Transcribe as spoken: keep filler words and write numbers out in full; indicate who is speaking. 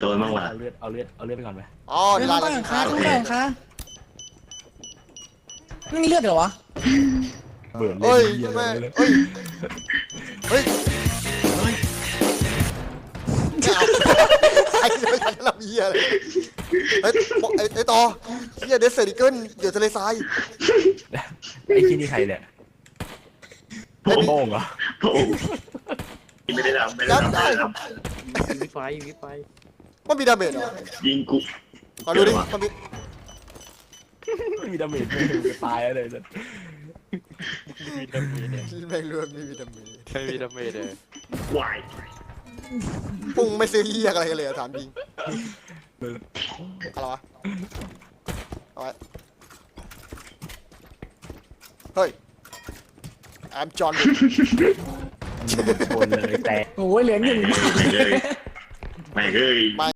Speaker 1: นบ้างว่ะ
Speaker 2: เอาเลือดเอาเลือดเอาเลือดไปก่อนไหม
Speaker 3: อ๋อ
Speaker 4: ไม่
Speaker 3: ลา
Speaker 4: ต้อง
Speaker 3: ลา
Speaker 4: ตั้งค่าต้องตั้งค่าไม่มีเลือดเหรอวะ
Speaker 2: เบื่อเล่
Speaker 3: เฮ้ย
Speaker 2: นเหี้ย
Speaker 3: แม่
Speaker 2: เลย
Speaker 3: เฮ้ยเฮ้ยไอ้ไม่ทันเราเหี้ยเลยไอ้ไอ้ไอ้ต่อเหี้ยเดสเซอร์ดิเกิลเดี๋ยวทะเลทราย
Speaker 2: ไอ้ที่นี่ใครเนี่ย
Speaker 1: พระองค์
Speaker 2: โป้งเหรอ
Speaker 1: พระองค์ไม่ได้ทำไม่ได้ทำไม่ได้ท
Speaker 5: ยิงวิไฟยิงวิไฟ
Speaker 3: มันมีดาเมจเหรอ
Speaker 1: ำยิงกู
Speaker 3: มาดูดิมันมี
Speaker 2: ไม่มีดาเมจเลยตายแล้วเลย
Speaker 5: มีดาเมจเลย
Speaker 3: แม่งรวมไม่มีดาเมจ
Speaker 5: ไม่มีดาเมจเลยว
Speaker 1: าย
Speaker 3: ปุ้งไม่ซื้อเหี้ยอะไรกันเลยอะถามจริงอะไรวะเอาไว้เฮ้ย I'm John
Speaker 2: ชนเลยแต่
Speaker 4: โอ้ยเหลือหนึ่ง
Speaker 1: ไม่เลยไม่เลย